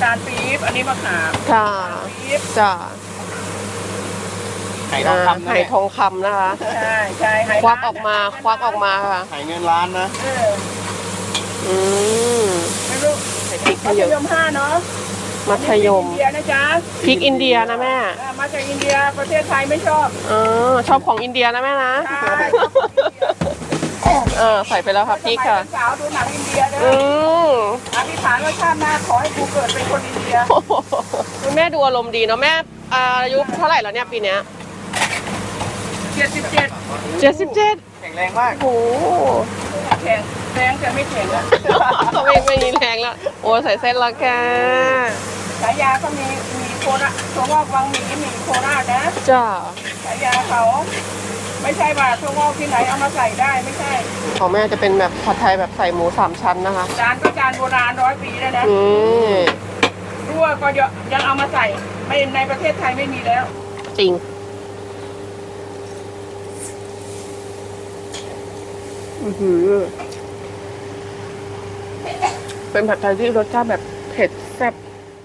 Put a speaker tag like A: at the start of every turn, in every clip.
A: าลปี๊บอันนี้มะขาม
B: ค่ะ
A: ปี๊บ
B: จ้ะ
C: ไข่ทองคำนะ
B: ไข่ทองคำนะคะ
A: ใช่ใช่ไฮ
B: ควักออกมาค่ะ
C: ไข่เงินล้านนะ
B: อืม
A: ไม่รู้
B: ใส่พริก
A: มัธ
B: เยอะ
A: ยม5เนาะ
B: มัธยม
A: อินเดียนะจ๊ะ
B: พริกอินเดียนะแม่
A: มาจากอินเดียประเทศไทยไม่ชอบ
B: ชอบของอินเดียนะแม่นะ
A: ใช่ชอบของอินเดีย
B: ใส่ไปแล้วค่ะพริกค่ะ
A: สมัยเป็นสาวดูหนังอินเดียเด้
B: อื
A: อ
B: ม
A: อธิษฐานว่าชาติหน้าขอให้กูเกิดเป็นคนอินเดีย
B: คุณแม่ดูอารมณ์ดีเนาะแม่อายุเท่าไหร่แล้วเนี่ยปีเนี้ย
A: 77
B: 77
C: แข็งแรงมาก
B: โอ้โห
A: แข็งแรงแต่ไม่แข็งอะ
B: ไม่มีแรงแล้วโอ้ใส่เส้นละแก
A: ฉายาก็มีโคราชถั่วงอกวังหมีโคราชนะ
B: จ้า
A: ฉายาเขาไม่ใช่ว่าถั่วงอกที่ไหนเอามาใส่ได้ไม่ใช่
B: ของแม่จะเป็นแบบผัดไทยแบบใส่หมู3ชั้นนะคะ
A: จานก็จานโบราณ100 ปีแล้วนะ
B: นี่
A: รั่วก็ยังเอามาใส่ไม่ในประเทศไทยไม่มีแล้ว
B: จริงเป็นผัดไทยที่รสชาติแบบเผ็ดแซ่บ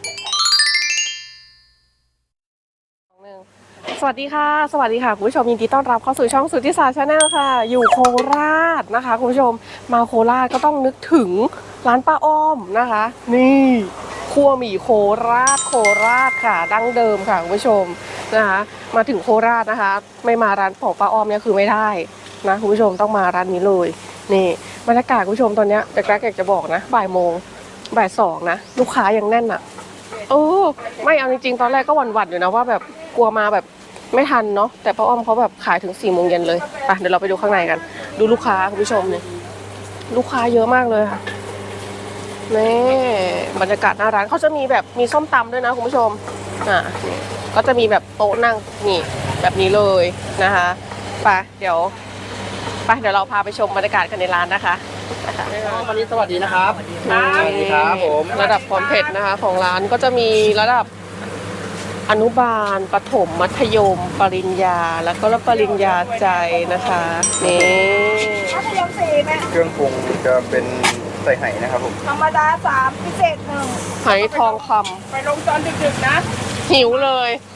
B: สวัสดีค่ะคุณผู้ชมยินดีต้อนรับเข้าสู่ช่องสุทธิศาสตร์ชาแนลค่ะ อยู่โคราชนะคะคุณผู้ชมมาโคราชก็ต้องนึกถึงร้านป้าอ้อมนะคะ นี่ครัวหมี่โคราชค่ะดั้งเดิมค่ะคุณผู้ชมนะคะมาถึงโคราชนะคะ ไม่มาร้านของป้าอ้อมเนี่ยคือไม่ได้นะคุณผู้ชมต้องมาร้านนี้เลยนี่บรรยากาศคุณผู้ชมตอนเนี้ยแรกๆอยากจะบอกนะบ่ายโมงบ่ายสองนะลูกค้ายังแน่นอ่ะไม่เอาจริงๆตอนแรกก็หวั่นๆอยู่นะว่าแบบกลัวมาแบบไม่ทันเนาะแต่ป้าอ้อมเขาแบบขายถึง4 โมงเย็นเลยไปเดี๋ยวเราไปดูข้างในกันดูลูกค้าคุณผู้ชมเนี่ยลูกค้าเยอะมากเลยค่ะนี่บรรยากาศหน้าร้านเขาจะมีแบบมีส้มตำด้วยนะคุณผู้ชมนี่ก็จะมีแบบโต๊ะนั่งนี่แบบนี้เลยนะคะไปเดี๋ยวเราพาไปชมบรรยากาศกันในร้านนะคะ
C: วันนี้สวัสดีนะครับ
B: สวัสดีครับผม ระดับความเผ็ดนะคะของร้านก็จะมีระดับอนุบาลประถมมัธยมปริญญาแล้วก็ปริญญาใจนะคะนี่
A: มัธยม4แม่
C: เครื่องปรุงจะเป็นใส่ไห่นะครับผม
A: ธรรมดา3พิเศษ1
B: ไหทองคำ
A: ไปลงตอนดึกๆนะ
B: หิวเลย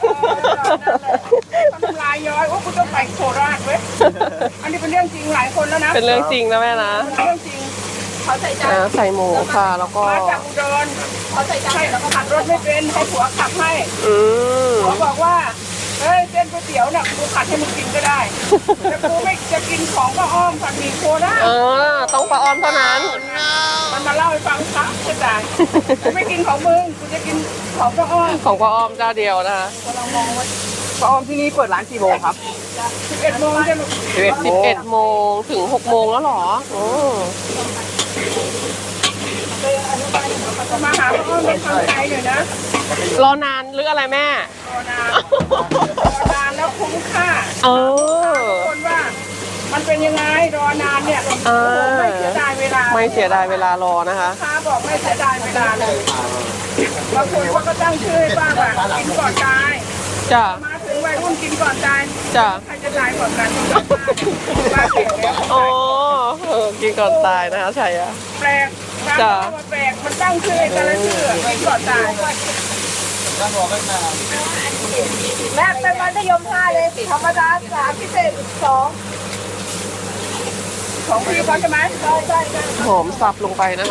A: ทำลายย้อยโอ้คุณต้องไปโคราชเว้ยอันนี้เป็นเรื่องจริงหลายคนแล้วนะ
B: เป็นเรื่องจริงนะแม่นะ
A: เป็นเรื่องจริงเขาใส่ใจ
B: ใส่หมูค่ะแล้วก็
A: มาจากอุดรเขาใส่ใจแล้วก็ขับรถไม่เป็นให้ผัวขับให้ ผัวบอกว่าเฮ้ยเส้นก๋วยเตี๋ยวน่ะกูขัดให้มึงกินก็ได้แต่กูไม่จะกินของป้าอ้อมผัดหมี่โคราช
B: ต้องป้าอ้อมเท่านั้น
A: มันมาเล่าให้ฟังครับจะจ่ายกูไม่กินของมึงกูจะกินของป้าอ้อม
B: ของป้าอ้อมเจ้าเดียวนะคะ
A: เรามองว่า
C: ป้าอ้อมที่นี่เปิดร้านกี่โมงครับ
A: 11 โมงจะลูก
B: 11 โมงถึง 6 โมงแล้วเหรอ
A: มาหาป้าอ้อมไม่ทำใจหน่อยนะ
B: รอนานหรืออะไรแม่
A: รอนานแล้วคุ้มค่าคนว่ามันเป็นยังไงรอนานเนี่ยไม่เสียดายเวลา
B: ไม่เสียดายเวลารอนะคะ
A: ค้าบอกไม่เสียดายเวลาเลยบางคนเขาก็ตั้งชื่อให้ป้าว่ากินก่อนตาย
B: จ้ะ
A: มาถึงวัยรุ่นกินก่อนตาย
B: จ้ะ
A: ใครจะตายก่อนกันป้าเก่งแล้ว
B: กินก่อนตายนะคะใช่อะ
A: แปลกป้าบอกว่าแปลกมันตั้งชื่อให้แต่ละชื่อกินก่อนตายแม่เป็นมัธยม5เลยธรรมดา3พิเศษ2ของพี่เขาใช่ไหมใช่
B: หอมสับลงไปนะคะ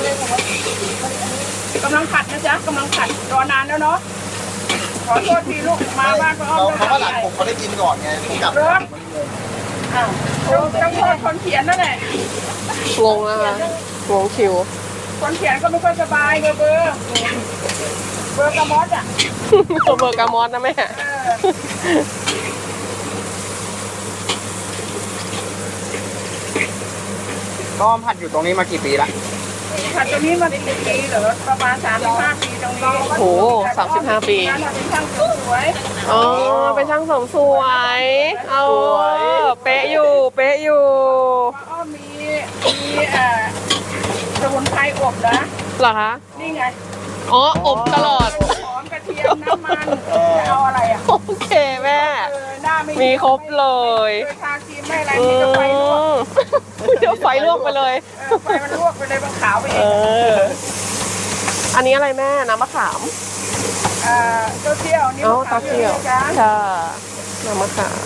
A: กำลังผัดนะจ๊ะกำลังผัดรอนานแล้วเนาะขอโทษทีลูกมาบ้านก็อ้อม
C: เขาว่าหลังผมเขาได้กินก่อนไงผมกลับ
A: เริ่มต้องโทษคนเขียนนั่นแหละ
B: งงนะคะงงคิว
A: คนเขียนก็ไม่ค่อยสบายเบอร์กระมอสอ่ะ
B: เบอร์กามอสนะแม่
C: ก็ผัดอยู่ตรงนี้มากี่ปีละ
A: ผัดตรงนี้มาเป็นปีเหรอประมาณ35 ปีตรงนี้
B: โห35 ปี
A: นั่นเป็นช่างสวย
B: เป็นช่างเสริมสวยเป๊ะอยู่
A: ก็มีสมุนไพรอบนะ
B: เหรอคะ
A: นี่ไง
B: อบตลอด
A: หอมกระเทียมน้ำมันจะเอาอะไรอ่ะ
B: โอเคแม่
A: หน้าไม่
B: มีครบเลย
A: ทาครีมไม่อะไรนี่จะไฟลวก
B: เดี๋ยวไฟลวกไปเลย
A: ไฟมันลวกไปเลยมันขาวไปเอ
B: เอง ออันนี้อะไรแม่น้ำมะขาม
A: เต้าเจี้ยวนี่
B: อ๋อ
A: มะขาม
B: เต้าเจี้ยว
A: จ้า
B: ค่ะน้ำมะขาม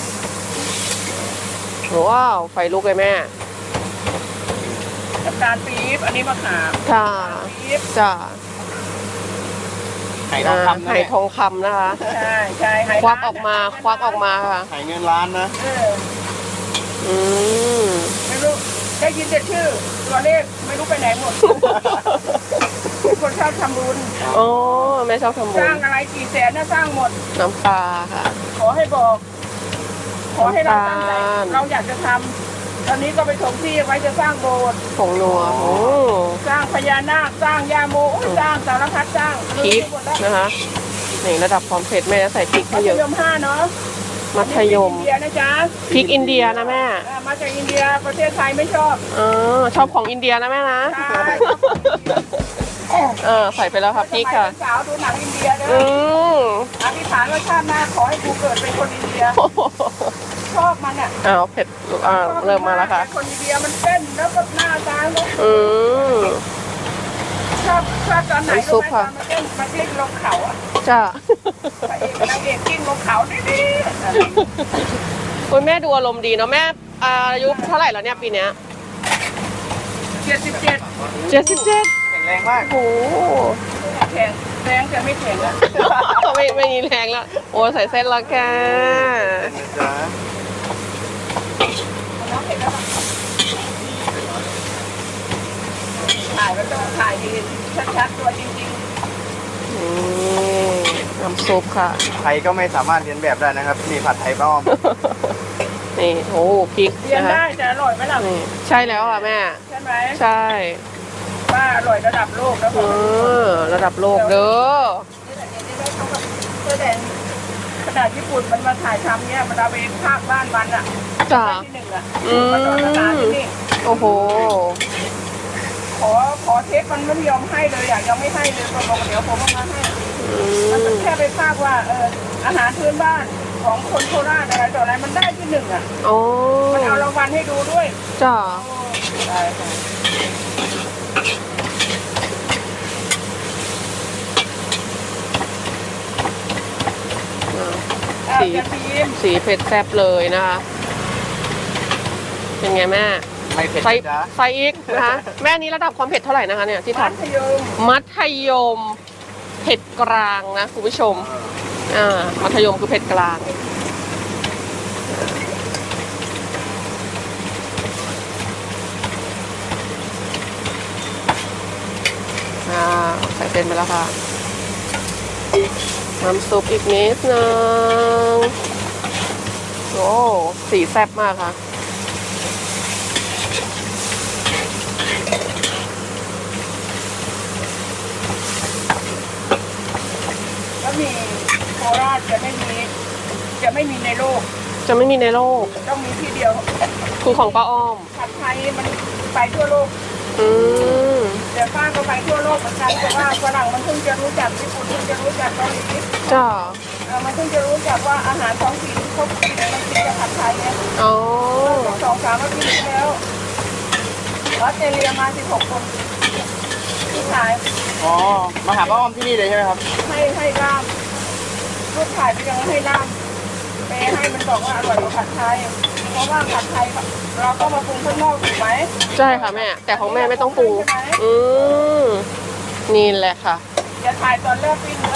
B: ว้าวไฟลุกเลยแม่
A: น้ำตาลปี๊บอันนี้มะขาม
B: ค่ะ
A: ปี๊บ
B: จ้า
C: ไข่ทองคำนะ
B: ไข่ทองคำนะคะ
A: ใช่ใช่ไห
B: ควักออกมาควักออกมาค่ะ
C: ไข่เงินล้านนะ
B: อืม
A: ไม่รู้ได้ยินแต่ชื่อตัวเลขไม่รู้ไปไหนหมด คนชอบทำบุญ
B: อ๋อแม่ชอบทำบุ
A: ส
B: ญ
A: ร้างอะไรกี่แสนน่ะสร้างหมด
B: น้ำปลาค่ะ
A: ขอให้บอก ขอให้เราตั้งใจ
B: น้ำตาล
A: เราอยากจะทำตอนนี้ก็ไปถมที่ไว้จะสร้างโบสถ์
B: ผงนัวโอ้
A: สร้างพญานาคสร้างยาโมโอ้ยสร้างสารพัดสร้าง
B: พริก
A: หมดแล้ว
B: นะคะนี่ระดับความเผ็ดแม่จะใส่พริก
A: มั
B: ให้
A: ธ
B: เยอะ
A: ยม5เนาะ
B: มัธยม
A: อันนี้พริกอินเดียนะจ๊ะ
B: พริกอินเดียนะแม่
A: มาจากอินเดียประเทศไทยไม่ชอบ
B: อ๋อชอบของอินเดียนะแม่นะ
A: ใช่
B: ใส่ไปแล้วค่ะพริกค่ะ
A: สมัยเป็นสาวดูหนังอินเดียเด้
B: อื
A: อ
B: ม
A: อธิษฐานว่าชาติหน้าขอให้กูเกิดเป็นคนอินเดีย ชอบมันอ่ะ
B: อ้าวเผ็ดเริ่มมาแล้วค่ะ
A: คนอินเดียมันเต้นแล้วก็หน้าตาแล้ว
B: อืม
A: ชอบตอนไหน
B: น้ำซุปค่ะ
A: มันเต้นมันกลิ้งลงเขาอ่ะ
B: จ้า
A: พระเอกนางเอกกลิ้งลงเขาดิดิ
B: คุณแม่ดูอารมณ์ดีเนาะแม่อายุเท่าไหร่แล้วเนี่ยปีเนี้ย
A: 77
B: 77
C: แข็งแรงมาก
B: โอ้โห
A: แข็งแรงแต่ไม่แข็งอ่ะ
B: ไม่มีแรงแล้วโอ้ใส่เส้นและแก
C: นะจ๊ะ
A: น้องเห็นแล้วปะถ่ายมันต้องถ่ายดีชัดๆตัวจริง
B: นี่น้ำซุปค่ะ
C: ใครก็ไม่สามารถเรียนแบบได้นะครับนี่ผัดไทยป้าอ้อม
B: นี่โอ้พริก
A: ๆเรียน
B: นะคะ
A: ได้แต่อร่อยไหมล่ะ
B: นี่ใช่แล้วค่ะแม่
A: ใช่ไหม
B: ใช่
A: ว่าอร่อยระดับโลกแล้ว
B: เออระดับโลกเด้อ
A: นี่แหละนี่ได้เขากับเสื้อแดงขนาดญี่ปุ่นมันมาถ่ายทำเนี่ยมันเอาไปภาคบ้านมันอ่ะ
B: จ้า
A: ได้ที่หนึ่งอ่ะ
B: อืม
A: มาต่อสถานที่นี่
B: โอ้โห
A: ขอเทปมันไม่ยอมให้เลยอ่ะยังไม่ให้เลยบอกเดี๋ยวผมเอามาให้
B: อื
A: มัน
B: ม
A: แค่ไปภาคว่าอาหารพื้นบ้านของคนโคราชอะไรต่ออะไรมันได้ที่หนึ่งอ่ะ
B: โอ้
A: มันเอารางวัลให้ดูด้วย
B: จ้า
A: ได้ค่ะอ่ะ
B: สี
A: กระเทียม
B: สีเผ็ดแซ่บเลยนะคะ เป็นไงแม่
C: ไม่เผ็ด
B: ใส่
C: นะจ๊ะ
B: ใส่อีกนะคะ แม่นี้ระดับความเผ็ดเท่าไหร่นะคะเนี่ยที่ท
A: มัธยม
B: ำมัธยมเผ็ดกลางนะคุณผู้ชม มัธยมคือเผ็ดกลาง ใส่เส้นไปแล้วค่ะ น้ำซุปอีกนิดนึง โอ้สีแซ่บมากค่ะ
A: แล้วมีโคราชจะไม่มีในโลก
B: จะไม่มีในโลก
A: ต้องมีที่เดียว
B: คือของป้าอ้อม
A: ผัดไทยมันไปทั่วโลก
B: อืม
A: เดี๋ยวป้าก็ไปทั่วโลกเหมือนกันแต่ว่าฝรั่งมันเพิ่งจะรู้จักญี่ปุ่นเพิ่งจะรู้จักเกาหลี
B: จ้า
A: มันเพิ่งจะรู้จักว่าอาหารท้องถิ่นเขากินมันกินกับผัดไทยเนี่ย
B: อ๋อ
A: 2-3 อาทิตย์ที่แล้วออสเตรเลียมา16 คนที่ขาย
C: อ๋อมาหาป้าอ้อมที่นี่เลยใช่ไหมครับ
A: ให้ล่ามรูปถ่ายไปยังให้ล่ามไปให้มันบอกว่าอร่อยกว่าผัดไทย เพราะว่าผัดไทยเราก็มาปรุงข้างนอกถูกไหม
B: ใช่ค่ะแม่ แต่ของแม่ไม่ต้องปรุง อืมนี่แหละค่ะ
A: อย่าถ่ายตอนเลิกปิ้งนะ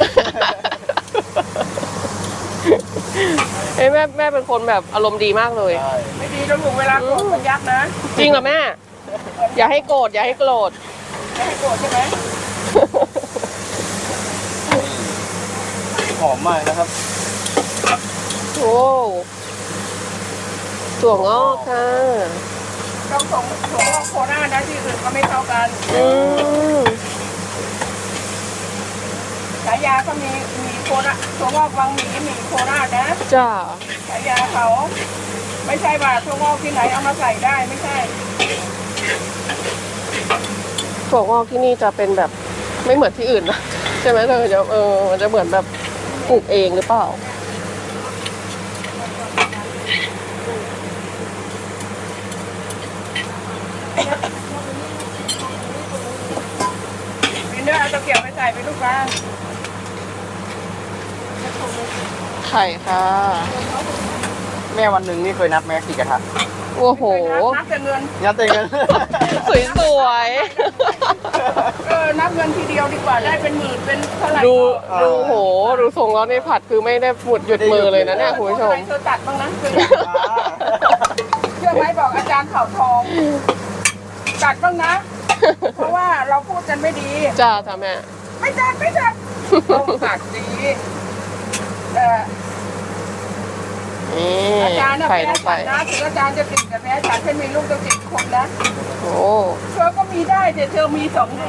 B: เอ้ยแม่เป็นคนแบบอารมณ์ดีมากเลย
A: ไม่ดีต้องอยู่เวลาโกรธมันยักษ์นะ
B: จริงเหรอแม่ อย่าให้โกรธอย่าให้โกรธ
A: ไม่ให้โกรธใช่ไหม
C: หอมมากนะครับ
B: โอ้ถั่วงอกค่ะ
A: ต้องส่งโคราชนะที่อื่นก็ไม่เท่ากัน
B: อืม
A: ฉายาก็มีโคราชถั่วงอกวังหมีโคราชนะ
B: จ้า
A: ฉายาเขาไม่ใช่ว่าถั่วงอกที่ไหนเอามาใส่ได้ไม่ใช่
B: ถั่วงอกที่นี่จะเป็นแบบไม่เหมือนที่อื่นนะใช่ไหมเธอจะมันจะเหมือนแบบปลูกเองหรือเปล่า
A: มีเนอะๆเอาตะเกียบไปใส่ไปลูกค้า
B: ไข่ค่ะ
C: แม่วันหนึ่งนี่เคยนับไหมกี่กระทะ
B: โอ้โห
A: นับแต่เงิน
C: นับเต็มกัน
B: สวย
A: นับเงินทีเดียวดีกว่าได้เป็นหมื่นเป็นเท่าไหร่
B: ๆดูโหดูทรงแล้วในผัดคือไม่ได้หยุดมือเลยนะเนี่ยคุณผู้ชม
A: เธอตัดบ้างนะเชื่อไหมบอกอาจารย์เผ่าทองตัดบ้างนะ เพราะว่าเราพูดกันไม่ดี
B: จ้าแม่
A: ไม่ตัดต้องตัดดี
B: นี่
A: อาจารย์น่ะ
B: ไข่
A: แพ้
B: ลงไป
A: ฉันนะถึงอาจารย์จะติดแต่แพ้ฉันฉันมีลูกจะติดคนนะ
B: โอ้
A: เธอก็มีได้แต่เธอมี2 รู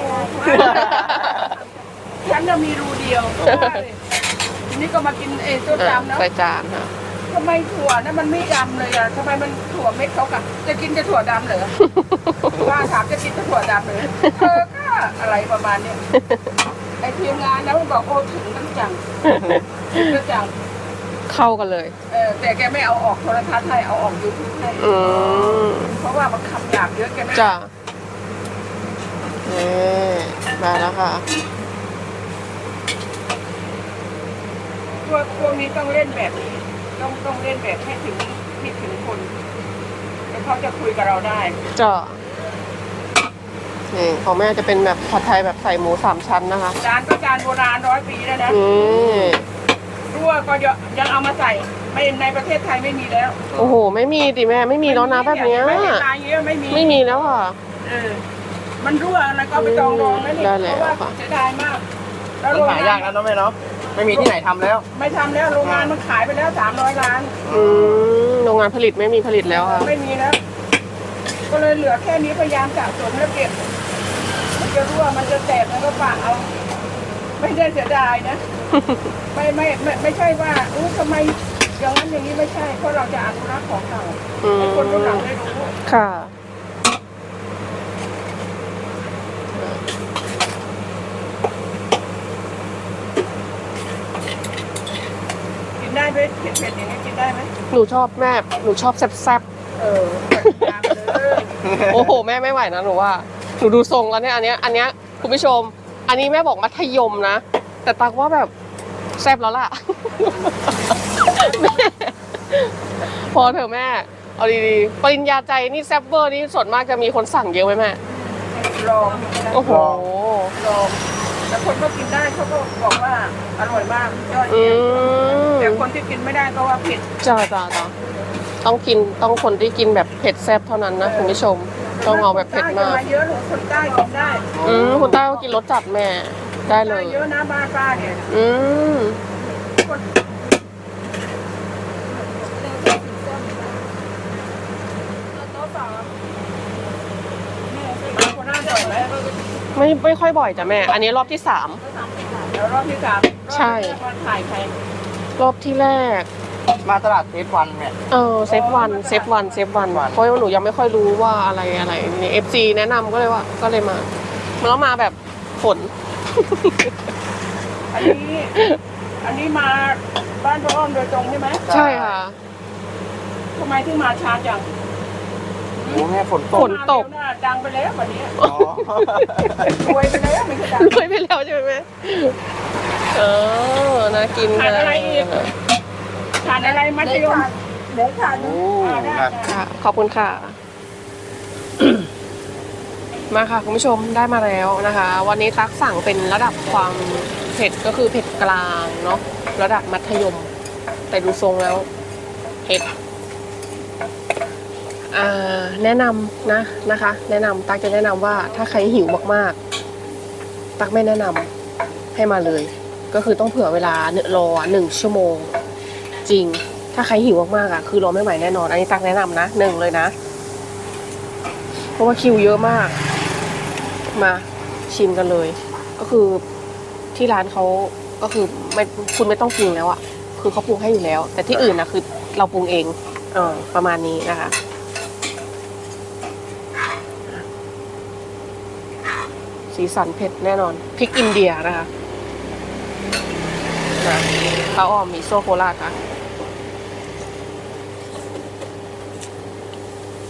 A: ฉันจะมีรูเดียวทีนี้ก็มากินตัวดำนะ
B: ใส่จานค่ะ
A: ทำไมถั่วนั้นมันไม่ดำเลยอ่ะทำไมมันถั่วเม็ดเขากะจะกินแต่ถั่วดำเหรอว่าถามจะกินแต่ถั่วดำเหรอเธอก็อะไรประมาณเนี้ยไอทีมงานนะมันบอกโอ้ถึงกันจังจัง
B: เข้ากันเลย
A: แต่แกไม่เอาออกโทรทัศน์ให้เอาออกยูทูบให้
B: อืม
A: เพราะว่ามันคำหยาบเยอะแกไม่
B: จ้านี่มาแล้วค่ะ
A: พวกนี้ต้องเล่นแบบนี้ต้องเล่นแบบให้ถึงคนแล้วเขาจะคุยกับเราได้
B: จ้านี่ของแม่จะเป็นแบบผัดไทยแบบใส่หมู3 ชั้นนะคะ
A: จานก็จานโบราณ100 ปีแล้วนะ
B: นี่
A: รั่วก็ยังเอามาใส่ไม่ในประเทศไทยไม่มีแล้ว
B: โอ้โห ไม่มีดิแม่ไม่มีแล้วนะแบบเนี้ย
A: ไม่มีลายเยอะไม่มี
B: ไม่มีแล้วค่ะ
A: มันรั่วอะไรก็ไปจองรองแล้วนี่
B: ได้แล้ว
A: เพราะว่า
B: ค่ะ
A: เสียดายมาก แล้ว
C: มัน
A: โรง
C: หาง
A: าย
C: าก
A: น
C: นะน้องแม่เนาะไม่มีที่ไหนทำแล้ว
A: ไม่ทำแล้วโรงงานมันขายไปแล้ว300 ล้าน
B: โรงงานผลิตไม่มีผลิตแล้วค่ะ
A: ไม่มีแล้ว ก็เลยเหลือแค่นี้พยายามสะสมแล้วเก็บมันจะรั่วมันจะแตกมันก็ฝากเอา ไม่ได้เสียดายนะ ไม่ใช่ว่าทำไมอย่างนั้นอย่างนี้ไม่ใช่เพราะเราจะอนุรักษ์ของเก่าให้คนรุ่นหลังได้รู้
B: ค่ะ
A: กินได้ไหมเผ็ดๆอย่างนี้กินได้ไหม
B: หนูชอบแม่หนูชอบแซ่บ
A: ตามเลย
B: ๆโอ้โหแม่ไม่ไหวนะหนูว่าหนูดูทรงแล้วเนี่ยอันเนี้ยคุณผู้ชม อันนี้แม่บอกมัธยมนะแต่ตักว่าแบบแซ่บแล้วล่ะ แม่พอเถอะแม่เอาดีๆปริญญาใจนี่แซ่บเวอร์นี่ส่วนมากจะมีคนสั่งเยอะไหมแม่
A: ลอง
B: โอ้โห
A: ลองแต่คนก็กินได้เขาก็บอกว่าอร่อยมากยอด
B: อื
A: เยี่ยม
B: ม
A: แต่คนที่กินไม่ได้ก็ว่าผิด
B: จ้าต้องกินต้องคนที่กินแบบเผ็ดแซ่บเท่านั้นนะคุณผู้ชมต้องเอาแบบเผ็ดมาก
A: คนใต้เยอะหรือคนใต้กินได้
B: คุณต้าก็กินรสจัดแม่ได้เล
A: ใต้
B: ย
A: เยอะนะบ้านป้าเนี่ย
B: อืม
A: คนคนหน้าจ่อยไหม
B: ไม่ค่อยบ่อยจ้ะแม่ อันนี้รอบที่
A: แล้วรอบที่ 3
B: ใช่
A: วันถ่ายใคร
B: 3รอบที่แรก
C: มาตลาดเทสวันเนี่ย
B: เซฟวันเพราะว่าหนูยังไม่ค่อยรู้ว่าอะไรนี่ FC แนะนำก็เลยมาแล้วมาแบบฝน
A: อันนี้มาบ้านพ่ออ้อมโดยตรงใช่ไหม
B: ใช่ค่ะ
A: ทำไมถึงมาช้าจัง
C: โอ้แม่ฝนต
B: ฝ
C: ก
B: นตก
A: มาเร็วน่ะดังไปแล้ววันนี้
C: อ๋อ
A: รวยไปแล้วไม่ใช่ดัง
B: รวยไปแล้วใช่ไหมแม่น่ากิน
A: ขาดอะไรอีก ทานอะไรมัธยมเดี๋ยวทาน
C: โอ้
A: ได้
C: ครับ
B: ค่ะขอบคุณค่ะ มาค่ะคุณผู้ชมได้มาแล้วนะคะ วันนี้ตักสั่งเป็นระดับความเผ็ดก็คือเผ็ดกลางเนาะระดับมัธยม แต่ดูทรงแล้วเผ็ดแนะนำนะคะ แนะนำตักจะแนะนำว่าถ้าใครหิวมากๆ ตักไม่แนะนำให้มาเลย ก็คือต้องเผื่อเวลารอ1 ชั่วโมง จริง ถ้าใครหิวมากๆอ่ะคือรอไม่ไหวแน่นอนอันนี้ตักแนะนำนะ1เลยนะเพราะว่าคิวเยอะมากมาชิมกันเลย ก็คือที่ร้านเขาก็คือคุณไม่ต้องปรุงแล้วอ่ะคือเขาปรุงให้อยู่แล้ว แต่ที่อื่นนะคือเราปรุงเองประมาณนี้นะคะสีสันเผ็ดแน่นอนพริกอินเดียนะคะข้าวอ้อมมิโซโคราชค่ะ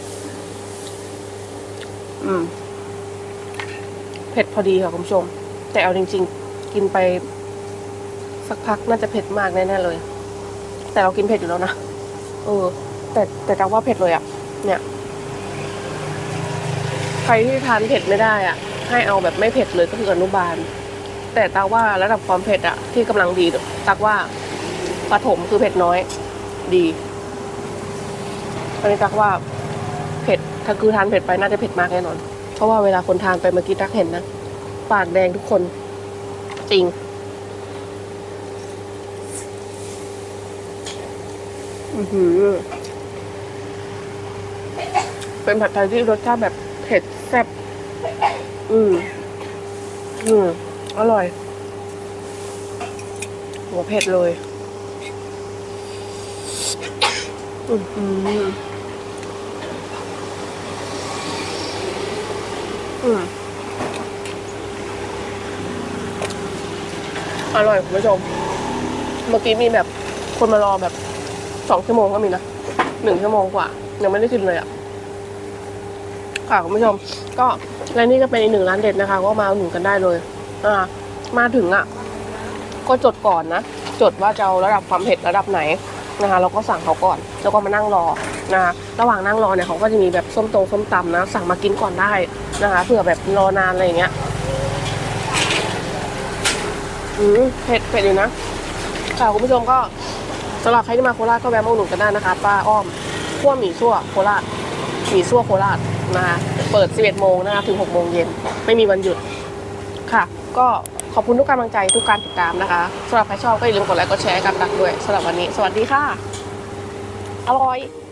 B: เผ็ดพอดีค่ะคุณผู้ชมแต่เอาจริงๆ กินไปสักพักน่าจะเผ็ดมากแน่ๆเลย แต่เรากินเผ็ดอยู่แล้วนะแต่จังว่าเผ็ดเลยอะเนี่ยใครที่ทานเผ็ดไม่ได้อะให้เอาแบบไม่เผ็ดเลยก็คืออนุบาลแต่ตาว่าระดับความเผ็ดอะที่กำลังดีตักว่าประถมคือเผ็ดน้อยดีอันนี้ตักว่าเผ็ดถ้าคือทานเผ็ดไปน่าจะเผ็ดมากแน่นอนเพราะว่าเวลาคนทานไปเมื่อกี้ตักเห็นนะปากแดงทุกคนจริงเป็นผัดไทยที่รสชาติแบบเผ็ดแซ่บอร่อยหัวเผ็ดเลยอร่อยคุณผู้ชมเมื่อกี้มีแบบคนมารอแบบ2 ชั่วโมงก็มีนะ1 ชั่วโมงกว่ายังไม่ได้กินเลยอ่ะค่ะคุณผู้ชมก็และนี่ก็เป็นอีก1 ร้านเด็ดนะคะก็มาอุดหนุนกันได้เลยมาถึงอ่ะก็จดก่อนนะจดว่าจะเอาระดับความเผ็ดระดับไหนนะคะเราก็สั่งเขาก่อนแล้วก็มานั่งรอนะคะระหว่างนั่งรอเนี่ยเขาก็จะมีแบบส้มตำนะสั่งมากินก่อนได้นะคะเผื่อแบบรอนานอะไรอย่างเงี้ยเผ็ดอยู่นะค่ะคุณผู้ชมก็สำหรับใครที่มาโคราชก็แวะมาอุดหนุนกันได้นะคะป้าอ้อมคั่วหมี่ซั่วโคราชหมี่ซั่วโคราชนะคะเปิด 11 โมงนะคะถึง 6 โมงเย็นไม่มีวันหยุดค่ะก็ขอบคุณทุกกำลังใจทุกการติดตามนะคะสำหรับใครชอบก็อย่าลืมกดไลค์กดแชร์กันตักด้วยสำหรับวันนี้สวัสดีค่ะอร่อย